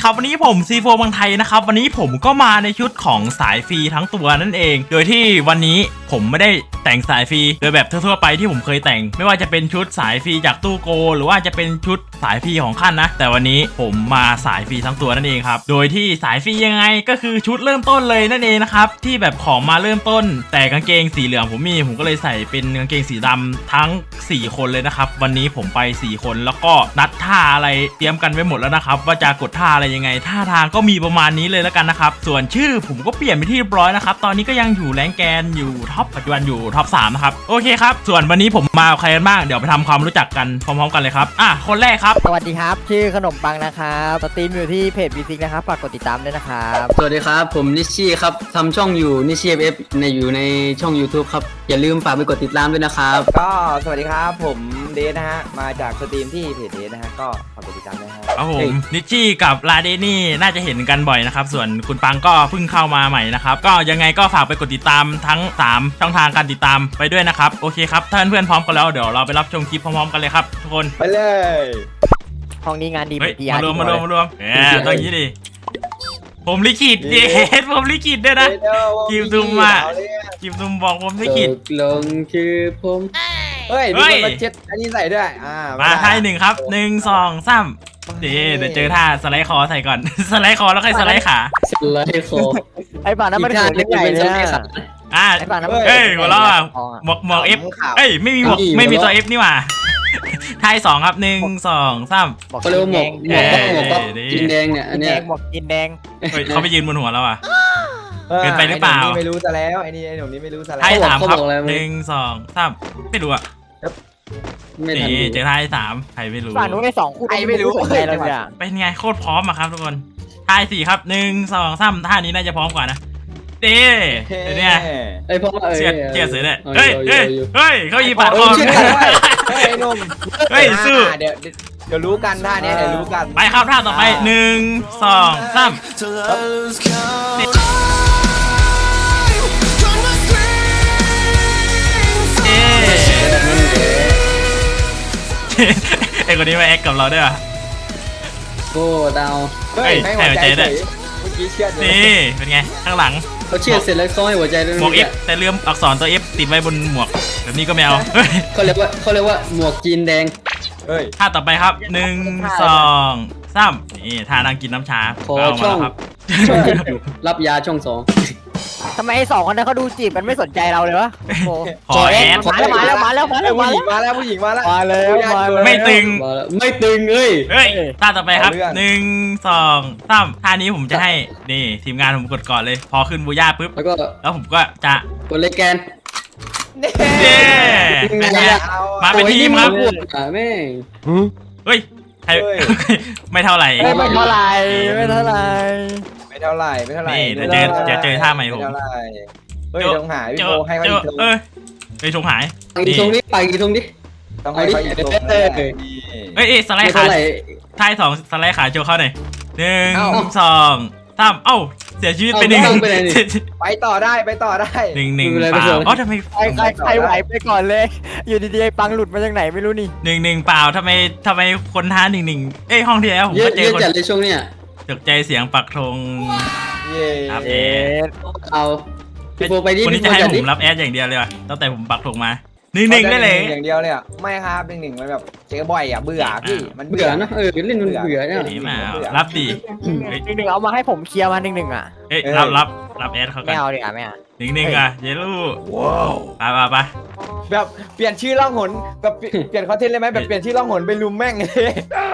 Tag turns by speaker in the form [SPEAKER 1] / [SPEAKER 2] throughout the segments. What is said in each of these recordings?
[SPEAKER 1] ครับวันนี้ผมซีโฟบางไทยนะครับวันนี้ผมก็มาในชุดของสายฟรีทั้งตัวนั่นเองโดยที่วันนี้ผมไม่ได้แต่งสายฟรีโดยแบบทั่วๆไปที่ผมเคยแต่งไม่ว่าจะเป็นชุดสายฟรีจากตู้โกหรือว่าจะเป็นชุดสายฟรีของขั้นนะแต่วันนี้ผมมาสายฟรีทั้งตัวนั่นเองครับโดยที่สายฟรียังไงก็คือชุดเริ่มต้นเลยนั่นเองนะครับที่แบบของมาเริ่มต้นแต่กางเกงสีเหลืองผมก็เลยใส่เป็นกางเกงสีดำทั้ง4คนเลยนะครับวันนี้ผมไป4คนแล้วก็นัดท่าอะไรเตรียมกันไว้หมดแล้วนะครับว่าจะกดท่าอะไรยังไงท่าทางก็มีประมาณนี้เลยแล้วกันนะครับส่วนชื่อผมก็เปลี่ยนไปที่เรียบร้อยนะครับตอนนี้ก็ยังอยู่แรงแกนอยู่ท็อปปัจจุบันอยู่ท็อป3นะครับโอเคครับส่วนวันนี้ผมมาใครกันบ้างเดี๋ยวไปทำความรู้จักกันพร้อมๆกันเลยครับคนแรกครับ
[SPEAKER 2] สวัสดีครับชื่อขนมปังนะครับสตรีมอยู่ที่เพจวีซิกนะครับฝากกดติดตามด้วยนะครับ
[SPEAKER 3] สวัสดีครับผมนิชชี่ครับทำช่องอยู่นิชชี่เอฟอยู่ในช่อง YouTube ครับอย่าลืมฝากไปกดติดตามด้วยนะครับ
[SPEAKER 4] ก็สวัสดีครับผมเดชนะฮะมาจากสตรีมที่เพจเดชนะฮะก็ฝากกดติดตามด้วยครับ
[SPEAKER 1] ผมนิชชี่กับลาเดนี่น่าจะเห็นกันบ่อยนะครับส่วนคุณปังก็เพิ่งเข้ามาใหม่นะครับก็ยังไงก็ฝากไปกดติดตามทั้ง3ช่องทางการติดตามไปด้วยนะครับโอเคครับถ้าเพื่อนๆพร้อมกันแล้วเดี๋ยวเราไปรับชมคลิปพร้อมๆกันเลยครับทุกคน
[SPEAKER 4] ไปเลย
[SPEAKER 2] ห้องนี้งานดี
[SPEAKER 1] มารวมต้องอย่างนี้ดิผมลิขิตเย็ดผมลิขิตด้วยนะกิมตุมบอกผมลิขิต
[SPEAKER 3] ลงคือผม
[SPEAKER 4] เฮ้ยมีคนมาเช็ดอันนี้ใส่ด้วย
[SPEAKER 1] มาท่า1ครับ1 2 3เดี๋ยวเจอท่าสไลด์คอใส่ก่อนสไลด์คอแล้วค่อยสไลด์ขา
[SPEAKER 3] สไลด์คอ
[SPEAKER 2] ไอ้ป่านั้นมันเกิดเรื่องใหญ่เลย
[SPEAKER 1] ไอ้ป่านั้นหัวเราะหมวกเอฟไม่มีหมวกไม่มีตัวเอฟนี่หว่าท่า2ครับ1 2 3
[SPEAKER 3] เขาเรียกว่าหมวกกินแดงเนี่ยอันเนี้ย
[SPEAKER 2] หมวกกินแดง
[SPEAKER 1] เขาไปยืนบนหัวเราอ่ะเกินไปหรือเปล่า
[SPEAKER 4] ไม่รู้ซะแล้วไอ้หนุ่มนี้ไม่รู้ซะแล้ว
[SPEAKER 1] ท่า3ครับ1 2 3ไม่รู้อ่ะนี่เจอท่า3ใครไม่รู้
[SPEAKER 2] ฝั่งนู้นไอ้2คู่
[SPEAKER 4] ไอ้ไม่รู้
[SPEAKER 2] อะไรเลย
[SPEAKER 1] เป็นไงโคตรพร้อมอะครับทุกคนท่า4ครับ1 2 3ท่านี้น่าจะพร้อมกว่านะเนี่ย
[SPEAKER 3] ไอ้พ่อ
[SPEAKER 1] เสียเสือเนี่ยเฮ้ยเขายีปาดคอ
[SPEAKER 4] ไอ้หนุ่ม
[SPEAKER 1] สู้
[SPEAKER 4] เดี๋ยวรู้กันท่านี้เดี๋ยวรู้กัน
[SPEAKER 1] ไปครับท่าต่อไป1 2 3ไอ้คนนี้มาแอคกับเราด้วย
[SPEAKER 3] โก้ดาว
[SPEAKER 4] ให้หัวใจด้วยเมื่อกี้เชื่อ
[SPEAKER 1] นี่เป็นไงข้างหลัง
[SPEAKER 3] เขาเชื่อเสร็จแล้วเขาให้หัวใจด้วย
[SPEAKER 1] หมวก F แต่ลืมอักษรตัว F ติดไว้บนหมวกแบบนี้ก็ไม่เอา
[SPEAKER 3] เขาเรียกว่าหมวกจีนแดง
[SPEAKER 1] ท่าต่อไปครับ1 2 3นี่ท่านั่งกินน้ำชา
[SPEAKER 3] เอามาครับรับยาช่อง2
[SPEAKER 2] ทำไมไอ้2คนนั้นเขาดูจีบมันไม่สนใจเราเลยวะ
[SPEAKER 1] ขอแอด
[SPEAKER 2] มาแล้ว
[SPEAKER 4] ผู้หญิงมาแล้ว
[SPEAKER 1] ไม่ตึง
[SPEAKER 3] เฮ้ย
[SPEAKER 1] ท่าต่อไปครับ1 2 3ท่านี้ผมจะให้นี่ทีมงานผมกดก่อนเลยพอขึ้นบูย่าปุ๊บแล้วผมก็จะ
[SPEAKER 3] กดเลแกน
[SPEAKER 1] เป็นไงมาเป็นทีมครับ
[SPEAKER 3] แม่
[SPEAKER 1] เฮ้ยไม่เท่าไหร่
[SPEAKER 2] นี่เ
[SPEAKER 1] ดี๋ยวเจอท่าใหม่ผม
[SPEAKER 4] เฮ้ยต้องหายพี่โบให้เขาอีก
[SPEAKER 1] ไปชงหาย
[SPEAKER 3] อีกตรงนี้ไปอีกตรงนี้
[SPEAKER 4] ต้องให้เขาอีกตรง
[SPEAKER 1] สไลด์ขาท่า2สไลด์ขาโชว์เข้าหน่อย1 2 3เสียชีวิตไป1
[SPEAKER 4] ไปต่อได้1 1เปล่า
[SPEAKER 1] ทำไม
[SPEAKER 2] ใครไหวไปก่อนเลยอยู่ดีๆปังหลุดมาจากไหนไม่รู้นี่
[SPEAKER 1] 1 1เปล่าทำไไมคนท้า1 1ห้องที่แล้วผมก็เจอคน
[SPEAKER 3] จัดเลยช่วงเนี้ย
[SPEAKER 1] ตกใจเสียงปักธง
[SPEAKER 3] เอาพี่โบไปดิ
[SPEAKER 1] คนนี้จะให้ผมรับแอดอย่างเดียวเลยว่ะตั้งแต่ผมปักธงมา1 1ได้เลย
[SPEAKER 4] อย่างเดียวเลยอ่ะไม่ครับ1 1มันแบบเจอบ่อยอ่ะเบื่อพี่มัน
[SPEAKER 3] เบื่อนะเล่นมันเบื่อเนี่ย
[SPEAKER 1] รับดี
[SPEAKER 2] 1 1เอามาให้ผมเคลียร์มา1 1อ่ะ
[SPEAKER 1] รับแอดเขากัน
[SPEAKER 2] ไม่เอาดิไม่เอา
[SPEAKER 1] 1 1อ่ะเยลูว้าวไป
[SPEAKER 4] แบบเปลี่ยนชื่อล่องหนแบบเปลี่ยนคอนเทนต์เลยไหมแบบเปลี่ยนชื่อล่องหนไปลุมแม่งเลย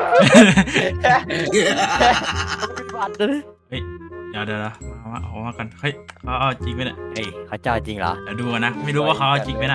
[SPEAKER 1] เดี๋ยวเอามากันเฮ้ยเขาเอาจริงไหมเนี่ย
[SPEAKER 2] เขาเจ้าจริงเหรอ
[SPEAKER 1] เดี๋ยวดูนะไม่รู้ว่าเขาเอาจริงไหมน่ะ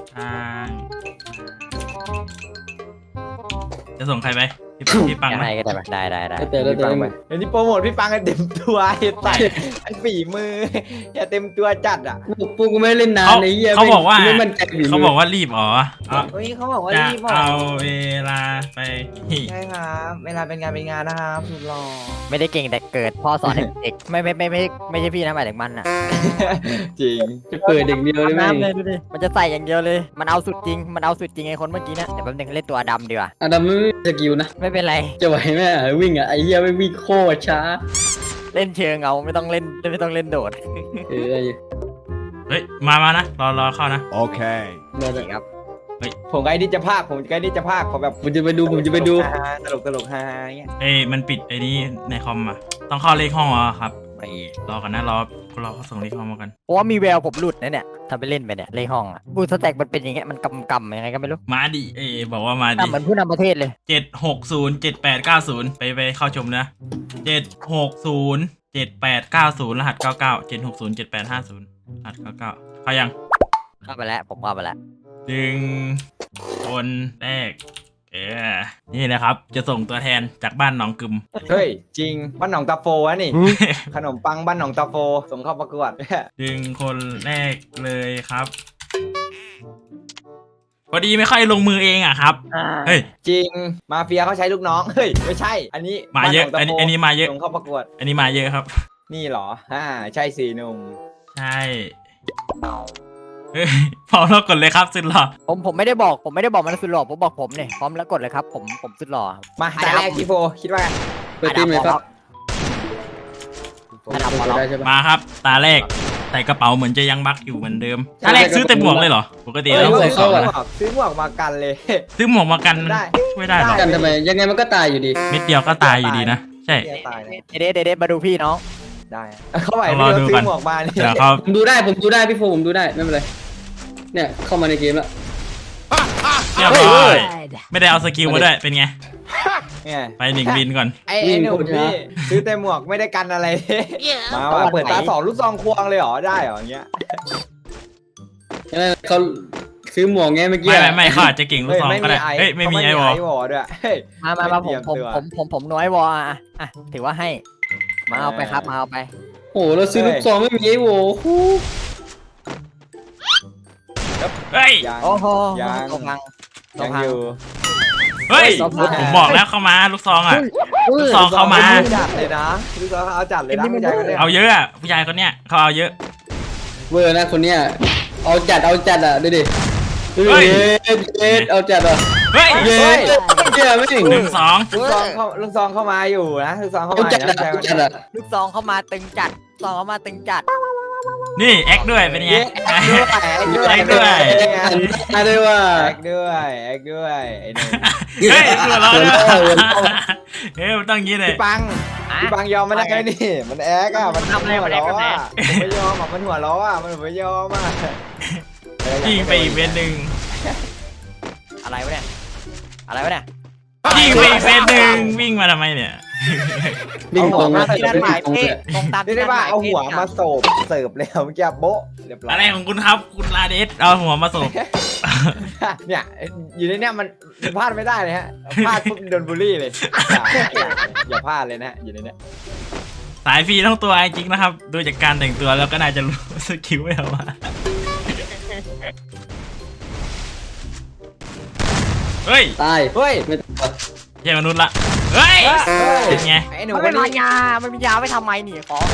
[SPEAKER 1] จะส่งใครไปพี่ปังไหม
[SPEAKER 2] ก็ได้
[SPEAKER 3] แต่
[SPEAKER 4] เดี๋ยวนี้โปรโมทพี่ปังกันเต็มตัวใส่ฝีมืออย่าเต็มตัวจัดอ่ะ
[SPEAKER 3] พวกกูไม่เล่นนาน
[SPEAKER 1] เขาบอกว่ารีบอ๋อ
[SPEAKER 4] เขาบอกว่ารีบ
[SPEAKER 1] เอาเวลาไป
[SPEAKER 4] ใช่ครับเวลาเป็นงานนะครับสุดหล่อ
[SPEAKER 2] ไม่ได้เก่งแต่เกิดพ่อสอนให้เด็กไม่ใช่พี่นะหมายถึงมันอ่ะ
[SPEAKER 4] จริง
[SPEAKER 3] จะเปิดเด็กเดียวได้ไหม
[SPEAKER 2] น้ำเลยดูดิมันจะใส่อย่างเดียวเลยมันเอาสุดจริงไอ้คนเมื่อกี้เนี่ยเดี๋ยวแป๊บนึงเล่นตัวดำดีกว่า
[SPEAKER 3] อดัมไม่มีสกิลนะ
[SPEAKER 2] ไม่เป็นไร
[SPEAKER 3] จะไหวไหมวิ่งอ่ะไอ้เหี้ยไม่วิ่งโคตรช้า
[SPEAKER 2] เล่นเชิงเอาไม่ต้องเล่นโดด
[SPEAKER 3] เออไอ้
[SPEAKER 1] เฮ้ยมานะรอเข้านะ
[SPEAKER 5] Okay.
[SPEAKER 2] นี่ครับ
[SPEAKER 4] ผมใกล้ที่จะพากผมขอแบบ
[SPEAKER 3] ผมจะไปดู
[SPEAKER 4] ฮาๆตลกฮาๆเงี้ย
[SPEAKER 1] เอ้ยมันปิดไอ้นี้ในคอมอ่ะต้องเข้าเลขห้องเหรอครับไปรอกันนะรอเขาส่งเลขห้องมากัน
[SPEAKER 2] เพราะว่ามีแววผมหลุดนะเนี่ยถ้าไปเล่นไปเนี่ยเลขห้องอ่ะบูสแต็กมันเป็นอย่างเงี้ยมันกำยังไงก็ไม่รู้
[SPEAKER 1] มาดิบอกว่ามาดิ
[SPEAKER 2] ทำเหมือนผู้นำประเทศเลย
[SPEAKER 1] 7607890ไปเข้าชมนะ7607890รหัส99 7607850รหัส99เข้ายัง
[SPEAKER 2] เข้าไปแล้วผมเข้าไปแล้ว
[SPEAKER 1] ดึงคนแรกนี่นะครับจะส่งตัวแทนจากบ้านหนองกึม
[SPEAKER 4] เฮ้ยจริงบ้านหนองตาโฟวะนี่ ขนมปังบ้านหนองตาโฟส่งเข้าประกวด
[SPEAKER 1] ดึงคนแรกเลยครับพอดีไม่ค่อยลงมือเองอ่ะครับเฮ้ย
[SPEAKER 4] จริงมาเฟียเขาใช้ลูกน้องเฮ้ยไม่ใช่ อันนี้
[SPEAKER 1] มาเยอะ
[SPEAKER 4] บ้หงตาโฟ
[SPEAKER 1] อันนี้มาเยอะ
[SPEAKER 4] ส่งเข้าประกวด
[SPEAKER 1] อันนี้มาเยอะครับ
[SPEAKER 4] นี่เหรอใช่สิหนุ่ม
[SPEAKER 1] ใช่เฮ้ยพร้อมแล้วกดเลยครับสุดหล่อ
[SPEAKER 2] ผมไม่ได้บอกมันสุดหล่อผมบอกผมเนี่ยพร้อมแล้วกดเลยครับผมสุดหล่อ
[SPEAKER 4] มาตาแรกพี่โฟคิดว่าไง
[SPEAKER 3] เปิดตีมเลยครับ
[SPEAKER 2] อันดับพอแล้ว
[SPEAKER 3] ได้ใช่ปะ
[SPEAKER 1] มาครับ ตาแรกใส่กระเป๋าเหมือนจะยังบักอยู่เหมือนเดิมตาแรกซื้อแต่หมวกเลยเหรอปกติแล้ว
[SPEAKER 3] เออ
[SPEAKER 1] ซื้อของนะ
[SPEAKER 4] ซื้อหมวกมากันเลย
[SPEAKER 1] ซื้อหมวกมากัน
[SPEAKER 4] ได้
[SPEAKER 1] ช่วยได้หรอ
[SPEAKER 3] กันทำไมยังไงมันก็ตายอยู่ดี
[SPEAKER 1] เม็ดเดียวก็ตายอยู่ดีนะใช่
[SPEAKER 4] ตายเลย
[SPEAKER 2] เด็ดมาดูพี่น้อง
[SPEAKER 4] ได้เข้าไป
[SPEAKER 1] ต้องรอดู
[SPEAKER 4] ซื้
[SPEAKER 1] ก่อน
[SPEAKER 4] อหมวกมานี่
[SPEAKER 1] เดี๋ยวเขา
[SPEAKER 3] ผมดูได้พี่โฟผมดูได้ไม่เป็นไรเนี่ยเข้ามาในเกมแล้ว
[SPEAKER 1] เรียบร้อยไม่ได้เอาสกิลมาด้วยเป็นไง
[SPEAKER 4] เนี่ย
[SPEAKER 1] ไปหนึ่งบินก่อน
[SPEAKER 4] ไอ้หนุ่มพี่ซื้อแต่หมวกไม่ได้กันอะไรมาว่ะเปิดตาสองลูกซองควงเลยเหรอได้เหรออย่างเงี้ย
[SPEAKER 3] ยังไงเขาซื้อหมวกไงเมื่อกี้
[SPEAKER 1] ไม่เขาอาจจะเก่งลูกซองก็ได้เฮ้ยไม่มีไอวอล
[SPEAKER 4] วอลด้วยเฮ้ย
[SPEAKER 2] มาผมน้อยวออ่ะถือว่าให้มาเอาไปครับมาเอาไป
[SPEAKER 3] โอ้โหเราซื้อลูกซองไม่มีไอ้โว้
[SPEAKER 1] เฮ้ย
[SPEAKER 4] ยัง
[SPEAKER 2] โอ้โห
[SPEAKER 4] ยัง
[SPEAKER 2] ตัวพัง
[SPEAKER 4] ยังอยู่
[SPEAKER 1] เฮ้ย
[SPEAKER 2] ตัวพัง
[SPEAKER 1] ผมบอกแล้วเข้ามาลูกซองอ่ะ ลูกซองเข้ามา
[SPEAKER 4] จัดเลยนะลูกซองเขาเอาจัดเลยนะผู้ชายคนเนี้ย
[SPEAKER 1] เอาเยอะอ่ะผู้ชายคนเนี้ยเขาเอาเยอะ
[SPEAKER 3] เวอร์นะคนเนี้ยเอาจัดอ่ะดูดิดู
[SPEAKER 1] เฮ้
[SPEAKER 3] ดิ
[SPEAKER 1] ย
[SPEAKER 3] เย็ดเอาจัดอ่ะ
[SPEAKER 1] เฮ้ย
[SPEAKER 3] เย็ดเจ๋ไม่ถึง
[SPEAKER 1] 1-2
[SPEAKER 4] ลูกซองเข้ามาอยู่นะลูกซองเข้า
[SPEAKER 3] เอา
[SPEAKER 4] มา
[SPEAKER 3] จัด
[SPEAKER 4] นะ
[SPEAKER 3] อ่ะ
[SPEAKER 4] ผู้ชายคน
[SPEAKER 3] เอาจั
[SPEAKER 4] เนี้
[SPEAKER 3] ด
[SPEAKER 4] ย
[SPEAKER 3] อ่ะ
[SPEAKER 2] ลูกซองเข้ามาตึงจัดซองเข้ามาตึงจัด
[SPEAKER 1] นี่แอคด้วยเป็นไง
[SPEAKER 4] แอคด้วย
[SPEAKER 1] แอคด้วย
[SPEAKER 3] มาด้วยว่า
[SPEAKER 4] แอคด้วยไอ้หนุ่ม
[SPEAKER 1] เฮ้ยหัวเราะด้วย
[SPEAKER 3] หัวเราะ
[SPEAKER 1] เฮ้ยมันต้องงี้เลย
[SPEAKER 4] พี่ปังยอมไม่ได้นี่ มันแอกอ่ะมัน
[SPEAKER 2] ทำอะไร
[SPEAKER 4] หัว
[SPEAKER 2] มันแอ
[SPEAKER 4] ล้
[SPEAKER 2] ค
[SPEAKER 4] อ
[SPEAKER 2] แบบไหน
[SPEAKER 4] อ่ะผมไม่ยอมอ่ะมันหัวล้ออ่ะมันไม่ยอมอ่ะ
[SPEAKER 1] ยิงไปอีกเวนหนึ่ง
[SPEAKER 2] อะไรวะเนี่ย
[SPEAKER 1] ยิงไปอีกเวนหนึ่งวิ่งมาทำไมเนี่ย
[SPEAKER 3] วิ่งตรง
[SPEAKER 2] ตาม
[SPEAKER 3] มา
[SPEAKER 2] ที่นั่นหมายเพศตรงตาม
[SPEAKER 4] เรีย
[SPEAKER 2] ที่
[SPEAKER 4] กได้
[SPEAKER 2] นั่นหาย
[SPEAKER 4] ว่ามเอา
[SPEAKER 2] เพ
[SPEAKER 4] หัว
[SPEAKER 2] ศ
[SPEAKER 4] มาโศบเสิร์ฟแล้วเมื่อกี้โบ๊ะเรียบร้อย
[SPEAKER 1] อะไรของคุณครับคุณลาเดสเอาหัวมาส่ง
[SPEAKER 4] เนี่ยอยู่ในเนี้ยมันพลาดไม่ได้เลยฮะพลาดปุ๊บโดนบูลลี่เลยอย่าพลาดเลยนะอยู่ในเนี้ย
[SPEAKER 1] สายฟรีทั้งตัวจริงนะครับดูจากการแต่งตัวแล้วก็น่าจะรู้สกิลไม่เอามาเฮ้ย
[SPEAKER 3] ตาย
[SPEAKER 4] เฮ้ย
[SPEAKER 3] ไม่ตาย
[SPEAKER 1] ใช่มนุษย์ละเฮ้ยเป็นไง
[SPEAKER 4] ไอ้หนู
[SPEAKER 2] มัน
[SPEAKER 4] วั
[SPEAKER 2] ไม่
[SPEAKER 4] น
[SPEAKER 2] มี
[SPEAKER 4] นี้
[SPEAKER 2] ยามันมียาไว้ทำไมนี่ขอ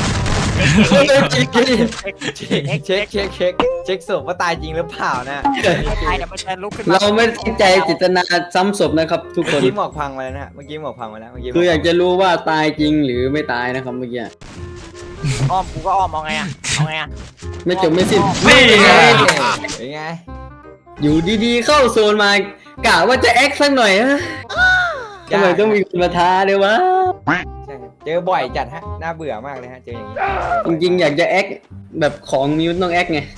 [SPEAKER 4] เช็คศพว่าตายจริงหรือเปล่านะ
[SPEAKER 2] ตายเดี๋ยวมันจะลุกขึ้นมา
[SPEAKER 3] เราไม่ตั้งใจเจตนาซ้ำศพนะครับ ทุกค
[SPEAKER 4] เมื่อน กี้หมอกพังมาแล้วนะฮะเมื่อกี้หมอกพังมาแล้วเมื่อกี้
[SPEAKER 3] คืออยากจะรู้ว่าตายจริงหรือไม่ตายนะครับเมื่อกี้
[SPEAKER 2] อ้อมกูก็อ้อมเอาไงอะ
[SPEAKER 3] ไม่จบไม่สิ้น
[SPEAKER 1] นี่ไง
[SPEAKER 4] เป็นไง
[SPEAKER 3] อยู่ดีๆเข้าโซนมากะว่าจะแอคสักหน่อยฮะทำไมต้องมีคนมาท้าด้วยวะ
[SPEAKER 4] ใช่เจอบ่อยจัดฮะน่าเบื่อมากเลยฮะเจออย่างนี้
[SPEAKER 3] จริงๆอยากจะแอคแบบของมีมันต้องแอคไง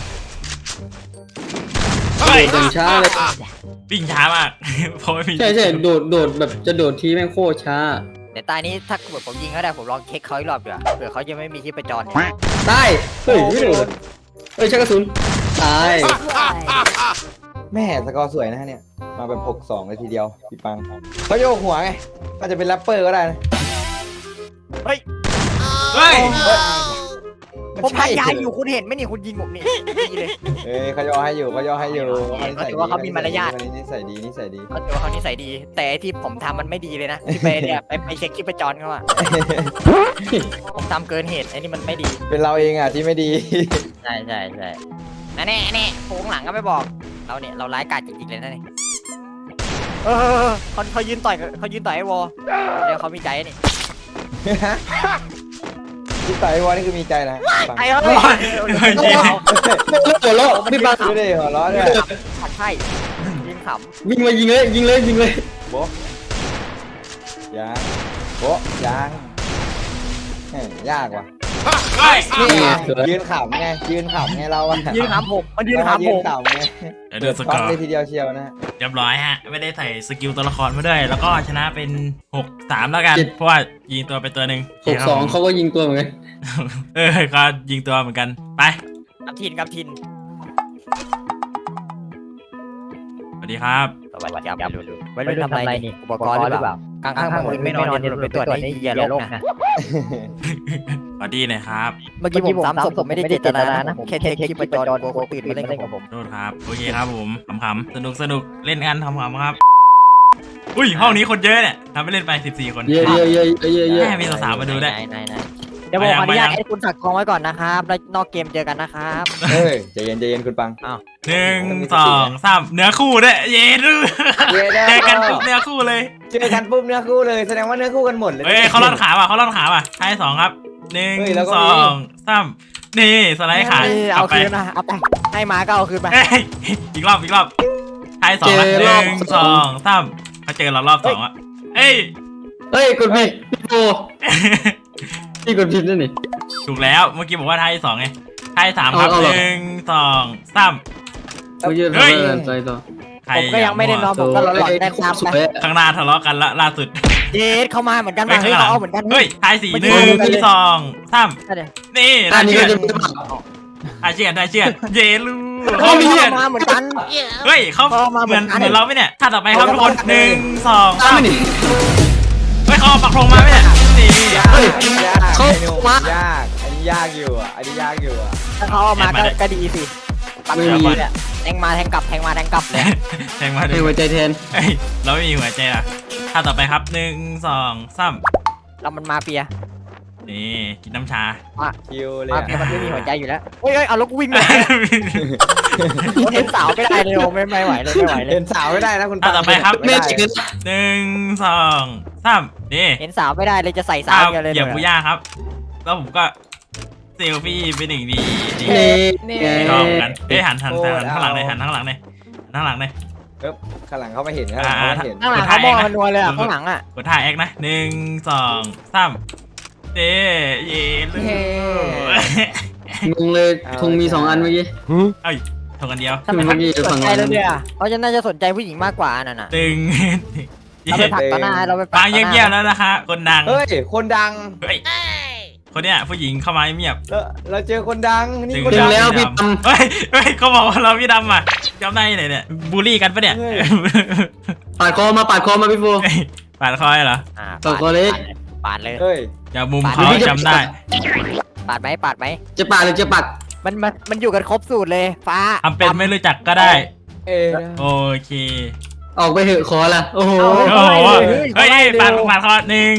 [SPEAKER 1] เฮ้ย
[SPEAKER 3] โดดอย่างช้าเลย
[SPEAKER 1] วิ่งช้ามากเพราะไม่มี
[SPEAKER 3] ใช่โดดแบบจะโดดทีแม่งโคตรช้า
[SPEAKER 2] เดี๋ยวตายนี้ถ้าเกิดผมยิงเขาได้ผมลองเช็คเขาอีกรอบดีกว่าเผื่อเขาจะไม่มีที่ประจรเนี่ย
[SPEAKER 3] ตายเฮ้ยไม่โดดเฮ้ยชักกระสุนตาย
[SPEAKER 4] แม่สกอร์สวยนะฮะเนี่ยมาแบบ6-2เลยทีเดียวพี่ปังเขาโยกหัวไงอาจจะเป็นแรปเปอร์ก็ได้นะ
[SPEAKER 1] เฮ้ย
[SPEAKER 2] ผมพยายามอยู่คุณเห็นไหมนี่คุณยิงผมนี่ดีเลย
[SPEAKER 4] เอ้ยเขาย่อให้อยู่เขาย่อให้อยู่
[SPEAKER 2] เขาถือว่าเขามีมารยาท
[SPEAKER 4] วันนี้นิสัยดีนิสัยดี
[SPEAKER 2] เขาถือว่าเขานิสัยดี แต่ไอ้ที่ผมทำมันไม่ดีเลยนะที่ไปเนี่ยไปเช็คคลิปประจรเขาอะผมทำเกินเหตุไอ้นี่มันไม่ดี
[SPEAKER 4] เป็นเราเองอ่ะที่ไม่ดี
[SPEAKER 2] ใช่นั่นแน่โค้งหลังก็ไม่บอกเราเนี่ยเราร้ายกาจจริงๆเลยนะนี่เขายืนต่อยไอ้วอเดี๋ยวเขามีใจนี่
[SPEAKER 4] ที่ต่อยวอนี่คือมีใจนะ
[SPEAKER 2] ไอ้เฮ้ย
[SPEAKER 3] หัวเราะพี่บัง
[SPEAKER 4] ดูดิหัวเราะด้วย
[SPEAKER 2] ขัดไพ่ยิงข
[SPEAKER 3] วิ่งมายิงเลย
[SPEAKER 4] โบ๊ะยางโบ๊ะยางแหม่ยากว่ะ
[SPEAKER 1] เฮ้ย
[SPEAKER 3] นี่ไงสวย
[SPEAKER 4] ยืนขำไงยืนขำไงเราอะ
[SPEAKER 2] ำยืนขำผมมันยืนขำ
[SPEAKER 4] ยื
[SPEAKER 2] ผ
[SPEAKER 4] น
[SPEAKER 2] ม
[SPEAKER 4] ขำไง
[SPEAKER 1] เดี๋ยวดูส
[SPEAKER 4] ช็
[SPEAKER 1] ก
[SPEAKER 4] อ
[SPEAKER 1] อ
[SPEAKER 4] ต
[SPEAKER 1] ร์
[SPEAKER 4] เลยทีเดียวเชียวนะ
[SPEAKER 1] เรียบร้อยฮะ ไม่ได้ใส่สกิลตัวละครมาด้วย แล้วก็ชนะเป็น 6-3 แล้วกัน เพราะว่ายิงตัวไปตัวหนึ่ง
[SPEAKER 3] 6-2เขาก็ยิงตัวเหมือนกัน
[SPEAKER 1] ก็ยิงตัวเหมือนกัน ไป
[SPEAKER 2] กับทิน
[SPEAKER 1] สวัสดีครับ
[SPEAKER 2] สวัสดีครับวัยรุ่นทำอะไรนี่อุปกรณ์หรือเปล่ากลางข้างมึงไม่นอนอย่าไปตรวจนี่อย่าลบนะ
[SPEAKER 1] สวัสดีหน่อยครับ
[SPEAKER 2] เมื่อกี้ผมซ้ำศพผมไม่ได้เจตนานะแค่คลิปประจรกลัวคนตื่นมาเล่นกับผม
[SPEAKER 1] โทษครับ โอเคครับผมขำๆสนุกเล่นกันขำๆครับ อุ้ยห้องนี้คนเยอะเนี่ยทำไปเล่นไป 14 คน
[SPEAKER 3] เยอะ
[SPEAKER 1] แม่มีสาวๆมาดูด้วย
[SPEAKER 2] ไหนเดี๋ยวผมขออนุญาตให้คุณสักทองไว้ก่อนนะครับแล้วนอกเกมเจอกันนะครับ
[SPEAKER 4] เฮ้ยใจเย็นคุณปัง
[SPEAKER 1] 1 2 3เนื้อคู่ด้วยเย้ดูเจอกันปุ๊บเนื้อคู่เลย
[SPEAKER 4] เจอกันปุ๊บเนื้อคู่เลยแสดงว่าเนื้อคู่กันหมดเลย
[SPEAKER 1] เฮ้ยเขาล่อนขาว่ะท้าย2ครับ
[SPEAKER 4] เฮ้ยแล้วก็
[SPEAKER 1] 1
[SPEAKER 4] มี
[SPEAKER 1] 2 3นี่สไลด์ขา
[SPEAKER 2] เอา
[SPEAKER 1] ไป
[SPEAKER 2] คืนนะเอาไปให้มาก็เอาคืนไป
[SPEAKER 1] เอ้ยอีกรอบท้าย2ครับ1 2 3เขาเจอเรารอบ2อ่ะเอ้ย
[SPEAKER 3] เฮ้ยกดผิดพี่โฟพี่กดผิดนั่นนี่
[SPEAKER 1] ถูกแล้วเมื่อกี้บอกว่าท้าย2ไงท้าย3ครับ
[SPEAKER 3] เอาเหรอ
[SPEAKER 1] 1 2 3
[SPEAKER 3] เขาเยอะ
[SPEAKER 1] เฮ้ย
[SPEAKER 3] ไปต่อ
[SPEAKER 1] ใคร
[SPEAKER 2] ผมก็ยังไม่ได้นอนผมก็หลอนๆได้ตาม
[SPEAKER 3] ส
[SPEAKER 2] ไป
[SPEAKER 3] วย
[SPEAKER 1] ข้างหน้าทะเลาะกันละล่าสุด
[SPEAKER 2] เจสเข้ามาเหมือนกันมาเฮ้ยเขาเอาเหมือนกัน
[SPEAKER 1] เฮ้ยท้าย4 1 2 3นี่
[SPEAKER 3] อันนี้ก็จะ
[SPEAKER 1] ท้ายเชียดเยลู
[SPEAKER 2] เขามีมาเหมือนกัน
[SPEAKER 1] เฮ้ยเขา
[SPEAKER 2] เขามา
[SPEAKER 1] เหมือน
[SPEAKER 2] เหมือนกัน
[SPEAKER 1] เหมือนเราไหมเนี่ยถ้าต่อไปครับทุกคน1 2
[SPEAKER 3] ตาม
[SPEAKER 1] 3
[SPEAKER 3] นี่
[SPEAKER 1] เฮ้ยเขาเอาปักธงมาไหมเนี่ยนี่
[SPEAKER 4] ยาก
[SPEAKER 3] เฮ้ย
[SPEAKER 4] ยาก
[SPEAKER 3] เขา
[SPEAKER 4] ไอ้หนุ่ม
[SPEAKER 3] มา
[SPEAKER 4] ยากอันนี้ยากอยู่อ่ะอันนี้ยากอยู่อ่ะ
[SPEAKER 2] ถ้าเขาเอามาก็ดีสิปังเลยเนี่ยแทงมาแทงกลับเลย
[SPEAKER 1] แทงมา
[SPEAKER 3] ให้
[SPEAKER 1] ดู
[SPEAKER 3] หัวใจแทน
[SPEAKER 1] เฮ้ยเราไม่มีหัวใจอ่ะถ้าต่อไปครับ1 2 3
[SPEAKER 2] เรามันมาเปีย
[SPEAKER 1] นี่กินน้ำชา
[SPEAKER 4] คิวเลย
[SPEAKER 2] มา
[SPEAKER 4] อะ
[SPEAKER 2] เปียมันไม่มีหัวใจอยู่แล้วเฮ้ยเอารถวิ่งเลยเห็นสาวไม่ได้เลยไม่ไหวเลย
[SPEAKER 4] เห็นสาวไม่ได้นะคุณ
[SPEAKER 1] ถ้าต่อไปครับ
[SPEAKER 3] แม่
[SPEAKER 4] ด้
[SPEAKER 3] จริง
[SPEAKER 1] 1 2 3นี่
[SPEAKER 2] เห็นสาวไม่ได้เลยจะใส่สา
[SPEAKER 1] อ้าว ว
[SPEAKER 2] กันเลย
[SPEAKER 1] เหยียบบุย่าครับ แล้วผมก็เซลฟี่เป็นหนึ่งดี
[SPEAKER 3] นี่
[SPEAKER 1] ชอบกันเฮ้ยหันข้างหลังเลยหันข้างหลังเลยข้างหลังเลย
[SPEAKER 4] ข้างหลังเขาไม่เห็นข้างหลังเขาไม่เห็น
[SPEAKER 2] ข้างหลังเขามองมันนัวเลยอ่ะข้างหลังอ่ะ
[SPEAKER 1] กดท่าแอคนะ1 2 3เย่ลู
[SPEAKER 3] งงเลยธงมี2 อันเมื่อกี้
[SPEAKER 1] เอ้ยทงกันเดียว
[SPEAKER 2] ทำไมเขาสนใจเราเนี่ยเขาจะน่าจะสนใจผู้หญิงมากกว่านั่นน่ะ
[SPEAKER 1] ตึง
[SPEAKER 2] เราไปผลักต่อหน้าเราไป
[SPEAKER 1] ฟังเงียบๆแล้วนะคะคนดัง
[SPEAKER 4] เฮ้ยคนดัง
[SPEAKER 1] เฮ้ยคนเนี้ยผู้หญิงเข้ามาเงียบ
[SPEAKER 4] เราเจอคนดังนี่คน
[SPEAKER 3] ถึ
[SPEAKER 4] ดั
[SPEAKER 3] ง
[SPEAKER 4] ง
[SPEAKER 3] แล้วพี่ด
[SPEAKER 1] เฮ้ยเขาบอกว่าเราพี่ดำอ่ะจำได้ไหนเนี่ยบูลลี่กันปะเนี่ย
[SPEAKER 3] ปาดคอมาพี่โฟ
[SPEAKER 1] ปาดคอยเหรอ
[SPEAKER 3] ต่อคอเล็ก
[SPEAKER 2] ปาดเลย
[SPEAKER 4] เฮ้ย
[SPEAKER 1] อย่ามุมเขาจำได้
[SPEAKER 2] ปาดไหม
[SPEAKER 3] จะปาดหรือจะปัก
[SPEAKER 2] มันอยู่กันครบสูตรเลยฟ้า
[SPEAKER 1] ทำเป็นไม่รู้จักก็ได้
[SPEAKER 4] เอ้ย
[SPEAKER 1] โอเค
[SPEAKER 3] ออกไปเหอะขอละโอ้โห
[SPEAKER 1] โอ้โหเฮ้ยปาดคอ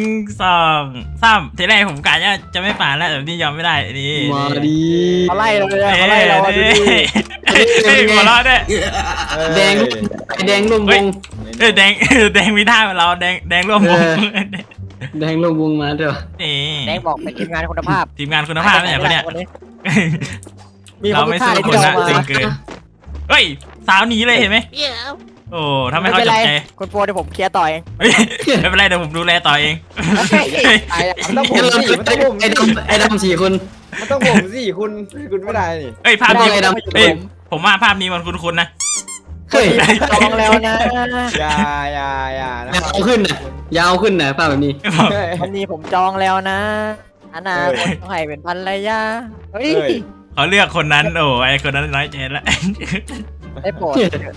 [SPEAKER 1] 1 2 3ทีแรกผมกะจะไม่ปาดแล้วแต่นี่ยอมไม่ได้นี่
[SPEAKER 3] มาดี
[SPEAKER 2] เขาไล่เราเลยเขาไล่เราดูดิ
[SPEAKER 1] เฮ้ยหัวเราะด้วย
[SPEAKER 3] แดงแดงร่วมวง
[SPEAKER 1] เอ้ยแดงมีท่าเหมือนเราแดงร่วมวง
[SPEAKER 3] แดงร่วมวงมาเถอะ
[SPEAKER 1] นี่
[SPEAKER 2] แดงบอกเป็นทีมงานคุณภาพ
[SPEAKER 1] ทีมงานคุณภาพเนี่ยคนเนี้ย
[SPEAKER 2] มีค
[SPEAKER 1] เรา
[SPEAKER 2] น
[SPEAKER 1] ไม่
[SPEAKER 2] ท่า
[SPEAKER 1] สู้
[SPEAKER 2] เลย
[SPEAKER 1] ค
[SPEAKER 2] ที่
[SPEAKER 1] น
[SPEAKER 2] เรา
[SPEAKER 1] นะ
[SPEAKER 2] มา
[SPEAKER 1] ตึงเกินเฮ้ยสาวหนีเลยเห็นไหมโอ้ทำให้เขาจับใจ
[SPEAKER 2] คุณโฟเดี๋ยวผมเคลียร์ต่อย
[SPEAKER 1] เฮ้ยไม่เป็นไรเดี๋ยวผมดูแลต่อเอง
[SPEAKER 4] มันต้องผมสิมันต้องผม
[SPEAKER 3] ไอ้ดำ4 คน
[SPEAKER 4] มันต้องผมสิคุณไม่ได้นี่
[SPEAKER 1] เฮ้ยภาพนี้
[SPEAKER 3] ไอ้ดำ
[SPEAKER 1] เฮ้ยผมว่าภาพนี้มันคุ้นๆนะ
[SPEAKER 3] เฮ้ย
[SPEAKER 2] จองแล้วนะ
[SPEAKER 4] อย่านะ
[SPEAKER 3] ยาวขึ้นนะยาวขึ้นนะป้าแบบนี้
[SPEAKER 2] วันนี้ผมจองแล้วนะอนาคตต้องให้เป็นภรรยาเฮ้ย
[SPEAKER 1] เขาเลือกคนนั้นโอ้ไอคนนั้นน้อยใจละ
[SPEAKER 2] ได้โปรด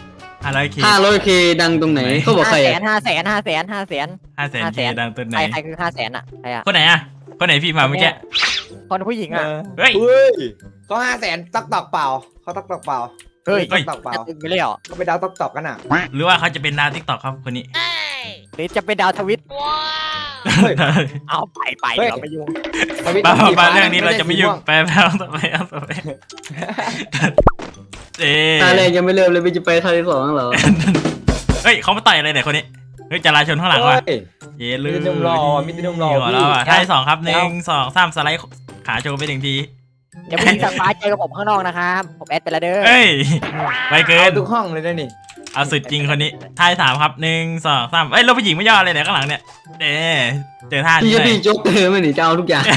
[SPEAKER 1] 500K
[SPEAKER 3] 500K ดังตรงไหนเขาบอกใครอะ
[SPEAKER 2] 500,000
[SPEAKER 1] 500K ดังตัวไหน
[SPEAKER 2] ใครคือ500,000อ่ะใครอ่ะ
[SPEAKER 1] คนไหนอ่ะคนไหนพี่มาเมื่อกี้
[SPEAKER 2] คนผู้หญิงอ่ะ
[SPEAKER 1] เฮ้ย
[SPEAKER 4] เฮ้ยเขา500,000ตอกเปล่าเขาตอกเปล่า
[SPEAKER 2] เฮ้ย
[SPEAKER 4] ตอกเปล่า
[SPEAKER 2] จะตึงไปเลยเหรอ
[SPEAKER 4] เขาไปดาวตอกกันอ่ะ
[SPEAKER 1] หรือว่าเขาจะเป็นดาวทิกตอกครับคนนี้
[SPEAKER 2] หรือจะเป็นดาวทวิต
[SPEAKER 4] เฮ้ย
[SPEAKER 2] เอาไป
[SPEAKER 4] เฮ้ย
[SPEAKER 2] เดี๋ยวไม่ยุ่ง
[SPEAKER 4] ทวิต
[SPEAKER 1] มา
[SPEAKER 4] สี
[SPEAKER 1] มา
[SPEAKER 4] ฟ้
[SPEAKER 1] เรื่องนี้เราจะไม่ยุ่ง
[SPEAKER 4] สีว
[SPEAKER 1] ไปเอาต่อไปเอาต่อไปเอ๊
[SPEAKER 3] ตาแรกยังไม่เริ่มเลยพี่จะไปท่าที่สองเหรอ
[SPEAKER 1] เฮ้ยเขามาต่อยอะไรเนี่ยคนนี้เฮ้ยจราชนข้างหลังว่ะ
[SPEAKER 4] เฮ้ย
[SPEAKER 1] เย้ลื
[SPEAKER 4] มีแต่หนุ่มหล่อมีแต่หนุ่มหล่อ
[SPEAKER 1] หัวเราะอ่ะ
[SPEAKER 4] พี่
[SPEAKER 1] ท่าที่สองครับ1 2 3สไลด์ขาโชว์ไป1 ที
[SPEAKER 2] เดี๋ยวผู้หญิงจากฟ้าเจอกับผมข้างนอกนะครับผมแอดไปแล้วเด้อ
[SPEAKER 1] เฮ้ยไปเกิ
[SPEAKER 4] เอา
[SPEAKER 1] น
[SPEAKER 4] ทุกห้องเลยนะนี่
[SPEAKER 1] เอาสุดจริงคนนี้ท่าที่3ครับ1 2 3เอ้ยเราผู้หญิงไม่ย่อเลยเนี่ยข้างหลังเนี่ยเด้เจอท่า
[SPEAKER 3] พี่
[SPEAKER 1] นี้
[SPEAKER 3] จะ
[SPEAKER 1] เลย
[SPEAKER 3] พี่โจ๊กเธอไม่หนีจะเอาทุกอย่าง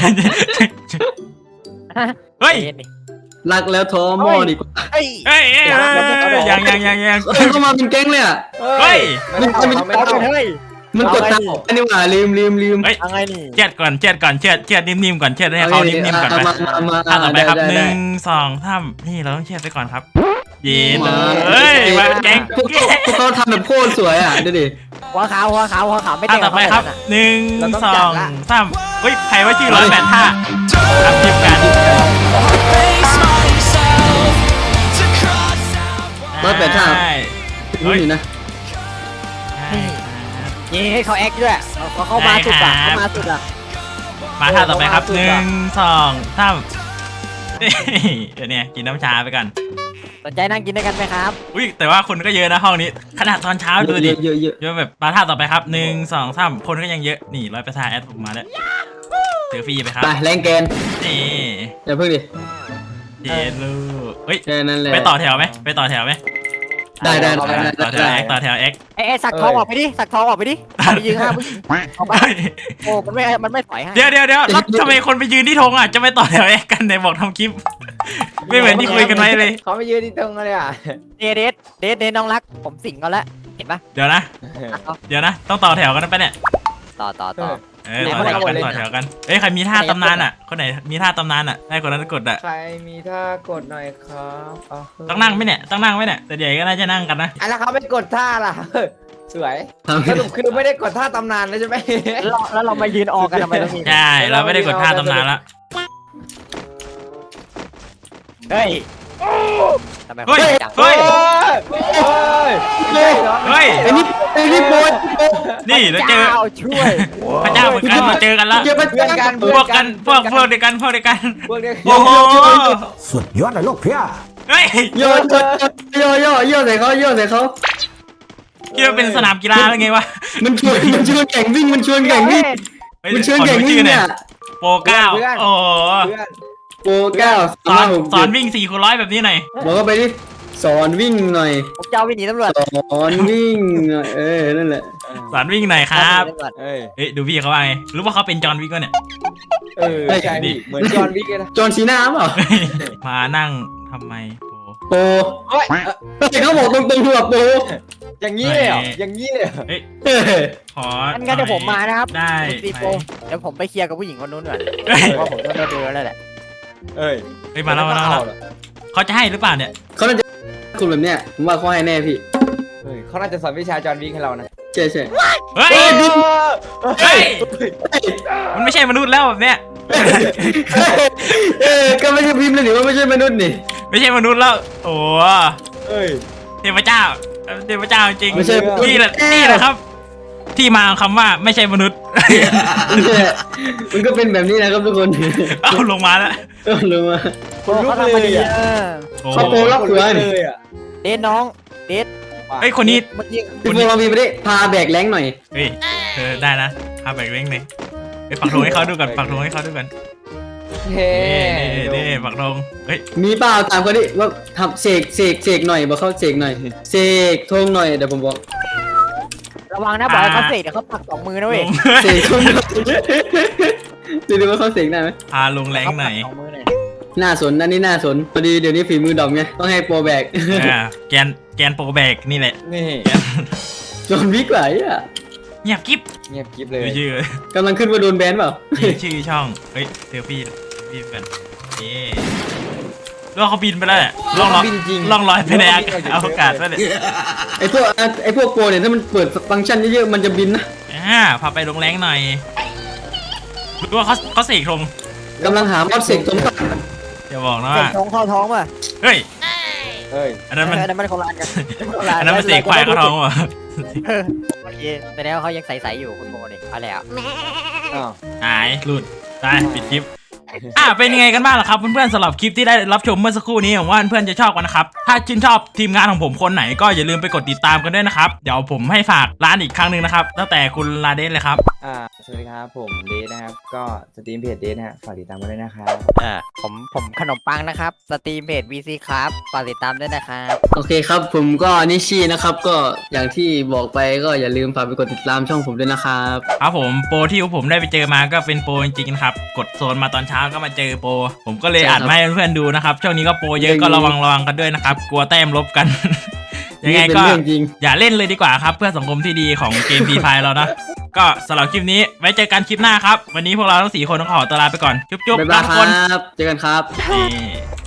[SPEAKER 1] เฮ้ย
[SPEAKER 3] รักแล้วท้อหม้อดีกว่า
[SPEAKER 2] เฮ้ย
[SPEAKER 1] เฮ้ยยัง
[SPEAKER 3] เฮ้ยเข้ามาเป็นแก๊งเลยอ่ะ
[SPEAKER 1] เฮ้ย
[SPEAKER 4] ไม่เข้าไม่
[SPEAKER 2] เอา
[SPEAKER 4] เข้า
[SPEAKER 2] ไปเฮ้ย
[SPEAKER 3] มันกดตังค์อันนี้หว่าลืม
[SPEAKER 1] เฮ้ย
[SPEAKER 2] เอาไงนี่
[SPEAKER 1] เช็ดก่อนเช็ดนิ่มๆก่อนเช็ดให้เขานิ่มๆก่อนไป
[SPEAKER 3] มา
[SPEAKER 1] ท่าต่อไปครับ
[SPEAKER 3] ได้
[SPEAKER 1] 1 2 3นี่เราต้องเช็ดไปก่อนครับเย็นเฮ้ยมาเป็นแก๊ง
[SPEAKER 3] พวกเขาทำแบบโคตรสวยอ่ะดูดิ
[SPEAKER 2] หัวขาวไม่
[SPEAKER 1] ท่า
[SPEAKER 2] เตะ
[SPEAKER 1] ต่อไปครับ1 2 3เฮ้ยใครว่าชื่อ108ท่าทำทีมกัน
[SPEAKER 3] 108ท่า
[SPEAKER 1] ใช่
[SPEAKER 3] ดูนี่นะ
[SPEAKER 2] นี่ให้เขาแอคด้วยเขามาสุดอ่ะเขามาสุดอ่ะ
[SPEAKER 1] มาท่าต่อไปครับ1 2 3เดี๋ยวเนี่ยกินน้ำชาไปก่อน
[SPEAKER 2] สนใจนั่งกินด้วยกันไหมครับ
[SPEAKER 1] อุ้ยแต่ว่าคนก็เยอะนะห้องนี้ขนาดตอนเช้าดูดิ
[SPEAKER 3] เยอะ
[SPEAKER 1] เยอะแบบมาท่าต่อไปครับ1 2 3คนก็ยังเยอะนี่100%แอดผมมาแล้วเจอฟรีไปครับ
[SPEAKER 3] ไปแรงแกน
[SPEAKER 1] นี่
[SPEAKER 3] อย่าเพิ่งดิ
[SPEAKER 1] เจลูกเฮ้ย
[SPEAKER 3] แค่นั้นแหละ
[SPEAKER 1] ไปต่อแถวไหมไปต่อแถวไหม
[SPEAKER 3] ได้
[SPEAKER 1] ต่อแถวเอ็กต่อแถวเอ็ก
[SPEAKER 2] ไอ้สักทองออกไปดิสักทองออกไปดิไปยืนห้าผู้หญิงออกไปโอ้มันไม่ถอยให้
[SPEAKER 1] เดี๋ยวแล้วทำไมคนไปยืนที่ธงอ่ะจะไม่ต่อแถวเอ็กกันไหนบอกทำคลิป ไม่เหมือนที่คุยกันไว้เลย
[SPEAKER 4] เขาไม่ยืนที่ตรงเลยอ่ะ
[SPEAKER 2] เดทน้องรักผมสิงเขาแล้วเห็นปะ
[SPEAKER 1] เดี๋ยวนะต้องต่อแถวกันนะปะเนี่ย
[SPEAKER 2] ต่อ
[SPEAKER 1] ต่อแถวกันเอ้ยใครมีท่าตำนานอ่ะคนไหนมีท่าตำนานอ่ะให้คนนั้นกดอ่ะ
[SPEAKER 4] ใครมีท่ากดหน่อยครับเอา
[SPEAKER 1] ต้องนั่งไหมเนี่ยแต่ใหญ่ก็น่าจะนั่งกันนะ
[SPEAKER 4] แล้วเขาไม่กดท่าล่ะสวย
[SPEAKER 3] ทำ
[SPEAKER 4] สรุปคือไม่ได้กดท่าตำนานแล้วใช่ไหม
[SPEAKER 2] แล้วเรามายืนออกกันทำไมตรงนี้
[SPEAKER 1] ใช่เราไม่ได้กดท่าตำนานละ
[SPEAKER 2] เฮ้ยทำไม
[SPEAKER 1] เฮ้ย
[SPEAKER 2] จัง
[SPEAKER 1] เฮ้ย
[SPEAKER 4] เฮ้ย
[SPEAKER 3] ไอ้นี่โบย
[SPEAKER 1] นี่เราเจอ
[SPEAKER 2] ช่วย
[SPEAKER 1] พระเจ้าเหมือนกันเราเจอกันแล้ว
[SPEAKER 3] เจอพระ
[SPEAKER 4] เพื่อนกัน
[SPEAKER 3] เจ้า
[SPEAKER 1] พวกเดียวกัน
[SPEAKER 4] พวกเดียว
[SPEAKER 1] โอ้โห
[SPEAKER 5] สุดยอดเลยลูกเพีย
[SPEAKER 1] เฮ้ย
[SPEAKER 3] โย่ใส่เขา
[SPEAKER 1] คิดว่าเป็นสนามกีฬาหรือไงวะ
[SPEAKER 3] มันชวนแข่งวิ่งมันชวนแข่งวิ่ง เนี่ย
[SPEAKER 1] โปรเก้าโอ้
[SPEAKER 4] เพื่อน
[SPEAKER 3] โปรเก้า
[SPEAKER 1] สอนวิ่ง4 คูณ 100แบบนี้หน่อย
[SPEAKER 3] บอกเขาไปดิสอนวิ่งหน่อย
[SPEAKER 2] ผมจะเอาวิ่งหนีตำรวจ
[SPEAKER 3] สอนวิ่งหน่อยนั่นแหละ
[SPEAKER 1] สอนวิ่งหน่อยครับ
[SPEAKER 4] เอ้ย
[SPEAKER 1] เฮ้ยดูพี่เขาว่าไงรู้ว่าเขาเป็นจอห์นวิกก็เนี่ย
[SPEAKER 4] ใช่ดิเหมือนจอห์นวิกเลยนะ
[SPEAKER 3] จอนซีน่าเปล่า
[SPEAKER 1] มานั่งทำไมโป
[SPEAKER 3] โปร
[SPEAKER 4] เฮ้ย
[SPEAKER 3] เขาบอกตรงๆคือแบบโปร
[SPEAKER 4] อย่างนี้เลยเหรออย่างนี้เลยเหรอ
[SPEAKER 1] ขอ
[SPEAKER 2] งั้นเดี๋ยวผมมานะครับ
[SPEAKER 1] ได้
[SPEAKER 2] ซีโปเดี๋ยวผมไปเคลียร์กับผู้หญิงคนนู้นก่อน
[SPEAKER 1] เฮ้ย
[SPEAKER 2] ว่าผมต้องเดินแล้วแหละ
[SPEAKER 4] เอ้ย
[SPEAKER 1] มาแล้วเขาจะให้หรือเปล่าเนี่ย
[SPEAKER 3] เขาน่าจะคุณแบบเนี้ยผมว่าเขาให้แน่พี่
[SPEAKER 4] เฮ้ยเขาน่าจะสอนวิชาจอห์นวิกให้เรานะ
[SPEAKER 3] ใช่
[SPEAKER 1] เฮ้ยเฮ้ยมันไม่ใช่มนุษย์แล้วแบบเนี้ย
[SPEAKER 3] ก็ไม่ใช่พิมพ์เลยนี่ว่าไม่ใช่มนุษย์นี่
[SPEAKER 1] ไม่ใช่มนุษย์แล้วโอ้
[SPEAKER 4] เอ้ย
[SPEAKER 1] เทพเจ้าจริง
[SPEAKER 3] ไม่ใช่
[SPEAKER 1] นี่แหละครับ ที่มาของคำว่าไม่ใช่มนุษย์
[SPEAKER 3] มันก็เป็นแบบนี้นะครับทุกคน
[SPEAKER 1] เอาลงมาแล้ว
[SPEAKER 3] ลงมา
[SPEAKER 4] คนลุกเลยอ่ะ
[SPEAKER 1] โอ้
[SPEAKER 3] เขาโปรรับเสือ
[SPEAKER 4] เลยอ่ะ
[SPEAKER 2] เดทน้องเดท
[SPEAKER 1] เฮ้ยคนนี้
[SPEAKER 2] เมื่อกี้
[SPEAKER 3] พี่โฟลองมีไปดิพาแบกแรงหน่อย
[SPEAKER 1] เฮ้ยได้นะพาแบกเล้งเลยไปปักธงให้เขาดูก่อนปักธงให้เขาดูก่อน
[SPEAKER 4] เฮ้
[SPEAKER 1] นี่ปักธงเฮ้ย
[SPEAKER 3] มีเปล่าตามเขาดิว่าทำเสกหน่อยบอกเขาเสกหน่อยเสกธงหน่อยเดี๋ยวผมบอก
[SPEAKER 2] ระวังนะบอกให้เขาเสกเดี๋ยวเขาปักสองมือนะเว้ย
[SPEAKER 3] เสกธงหน่อยดูว่าเขาเสกได้ไหม
[SPEAKER 1] พาลงแรงหน่อย
[SPEAKER 2] สองมือหน่อย
[SPEAKER 3] น่าสนอันนี้น่าสนพอดีเดี๋ยวนี้ฝีมือดอมไงต้องให้โปรแบก
[SPEAKER 1] แกนโปรแบกนี่แหละ
[SPEAKER 4] นี่
[SPEAKER 3] จนวิกไหลอ่ะ
[SPEAKER 1] เงียบกิ๊บ
[SPEAKER 4] เงียบกิ๊บเลย
[SPEAKER 1] ดูชื่อก
[SPEAKER 3] ำลังขึ้นว่าโดนแบนเปล่า
[SPEAKER 1] ชื่อช่องเฮ้ยเซลฟี่กันแล้วเขาบินไปแล้วล่องลอยไปในอวกาศไปเลย
[SPEAKER 3] ไอพวกโปรเนี่ยถ้ามันเปิดฟังก์ชันเยอะๆมันจะบินนะ
[SPEAKER 1] พาไปลงแรงหน่อยรู้ว่าเขาเสกธง
[SPEAKER 3] กำลังหามอสเสกสมบัติ
[SPEAKER 1] อย่าบอกนะ
[SPEAKER 2] เส
[SPEAKER 1] ว่า
[SPEAKER 2] กท้องเข้าท้องป่ะ
[SPEAKER 1] เฮ้ย
[SPEAKER 4] เอ้ย
[SPEAKER 1] อันนั้นมัน
[SPEAKER 2] อันนั้นมันคนละอันกันคนละ
[SPEAKER 1] อันนั้นมันเสกควายเข้าท้องว่ะ
[SPEAKER 2] โอเคแต่แล้วเขายังใสๆอยู่คุณโมเนี่ยเอาแล้ว
[SPEAKER 4] อ้าว
[SPEAKER 1] หายหลุดได้ปิดคลิปเป็นยังไงกันบ้างล่ะครับเพื่อนๆสำหรับคลิปที่ได้รับชมเมื่อสักครู่นี้ผมว่าเพื่อนๆจะชอบกันนะครับถ้าชื่นชอบทีมงานของผมคนไหนก็อย่าลืมไปกดติดตามกันด้วยนะครับเดี๋ยวผมให้ฝากร้านอีกครั้งหนึ่งนะครับตั้งแต่คุณลาเดนเลยครับ
[SPEAKER 4] สวัสดีครับผมเดทนะครับก็สตรีมเพจเดทนะฮะฝากติดตามกันด้วยนะครับ
[SPEAKER 2] ผมขนมปังนะครับสตรีมเพจ VC ครับฝากติดตามด้วยนะครับ
[SPEAKER 3] โอเคครับผมก็นิชชี่นะครับก็อย่างที่บอกไปก็อย่าลืมฝากไปกดติดตามช่องผมด้วยนะครับ
[SPEAKER 1] ครับผมโปรที่ผมได้ไปเจอมาก็เป็นโปรจริงๆนะครับกดโซนมาตอนเช้าก็มาเจอโปรผมก็เลยอัดมาให้เพื่อนๆดูนะครับช่วงนี้ก็โปรเยอะก็ระวังกันด้วยนะครับกลัวแต้มลบกัน ยังไง
[SPEAKER 3] นี่เป็น
[SPEAKER 1] ก็
[SPEAKER 3] เรื่องจริง
[SPEAKER 1] อย่าเล่นเลยดีกว่าครับเพื่อสังคมที่ดีของเกม Free Fire เรานะก็สำหรับคลิปนี้ไว้เจอกันคลิปหน้าครับวันนี้พวกเราทั้ง4คนต้องขอตัวลาไปก่อนจุ๊บๆ
[SPEAKER 3] บ๊าย
[SPEAKER 1] ลา
[SPEAKER 3] บาย
[SPEAKER 1] ทุก
[SPEAKER 3] ค
[SPEAKER 1] คน
[SPEAKER 3] รับเจอกันครับ
[SPEAKER 1] นี่